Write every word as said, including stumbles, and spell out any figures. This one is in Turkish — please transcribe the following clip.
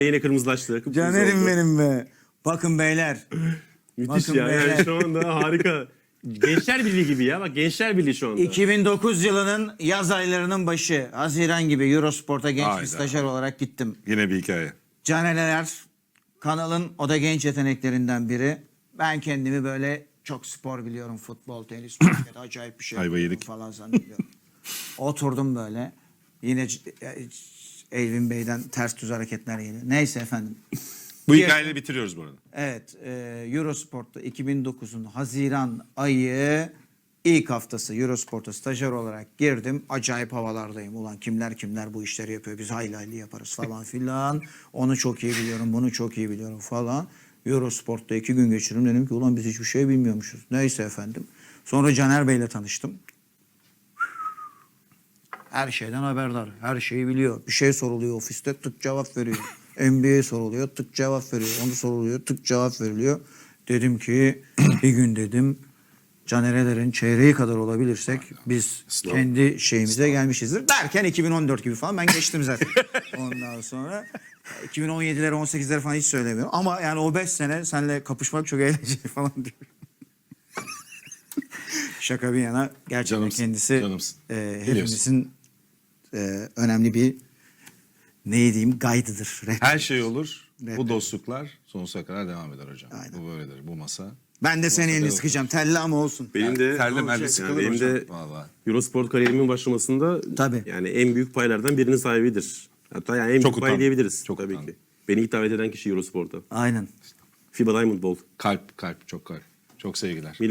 Yine kırmızılaştı. kıpkırmızı Canerim oldu. benim be. Bakın beyler. Müthiş Bakın ya. beyler. Yani şu anda harika. Gençler Birliği gibi ya. Bak Gençler Birliği şu anda. iki bin dokuz yılının yaz aylarının başı. Haziran gibi Eurosport'a genç Hayda. bir stajyer olarak gittim. Yine bir hikaye. Caneler kanalın o da genç yeteneklerinden biri. Ben kendimi böyle çok spor biliyorum. Futbol, tenis, basket acayip bir şey Ayva biliyorum yedik. falan zannediyorum. Oturdum böyle. Yine c- e, Elvin Bey'den ters düz hareketler geliyor. Neyse efendim. Bu Bir- hikayeyle bitiriyoruz bu arada. Evet, e, Eurosport'ta iki bin dokuzun Haziran ayı ilk haftası Eurosport'a stajyer olarak girdim. Acayip havalardayım. Ulan kimler kimler bu işleri yapıyor. Biz hayli hayli yaparız falan filan. Onu çok iyi biliyorum, bunu çok iyi biliyorum falan. Eurosport'ta iki gün geçirdim. Dedim ki ulan biz hiçbir şey bilmiyormuşuz. Neyse efendim. Sonra Caner Bey'le tanıştım. Her şeyden haberdar. Her şeyi biliyor. Bir şey soruluyor ofiste tık cevap veriyor. N B A soruluyor tık cevap veriyor. Onu soruluyor tık cevap veriliyor. Dedim ki bir gün dedim Canerelerin çeyreği kadar olabilirsek biz kendi şeyimize gelmişizdir. Derken iki bin on dört gibi falan ben geçtim zaten. Ondan sonra iki bin on yedileri on sekizleri falan hiç söylemiyorum. Ama yani o beş sene seninle kapışmak çok eğlenceli falan diyor. Şaka bir yana gerçekten Canımsın, kendisi canımsın. e, Biliyorsun. hepimizin e, önemli bir ne diyeyim guide'ıdır. rehber. Her şey olur. Rehber. Bu dostluklar sonsuza kadar devam eder hocam. Aynen. Bu böyledir. Bu masa. Ben de senin elini Olsa sıkacağım. Telli ama olsun. Benim de Terle merle yani sıkılır benim hocam. de Vallahi. Eurosport kariyerimin başlamasında Tabii. yani en büyük paylardan birinin sahibidir. Hatta yani en Çok büyük pay utandım. diyebiliriz Çok tabii utandım. ki. Beni ilk davet eden kişi Eurosport'a. Aynen. FIBA Diamond Ball. Kalp, kalp, çok kalp. Çok sevgiler.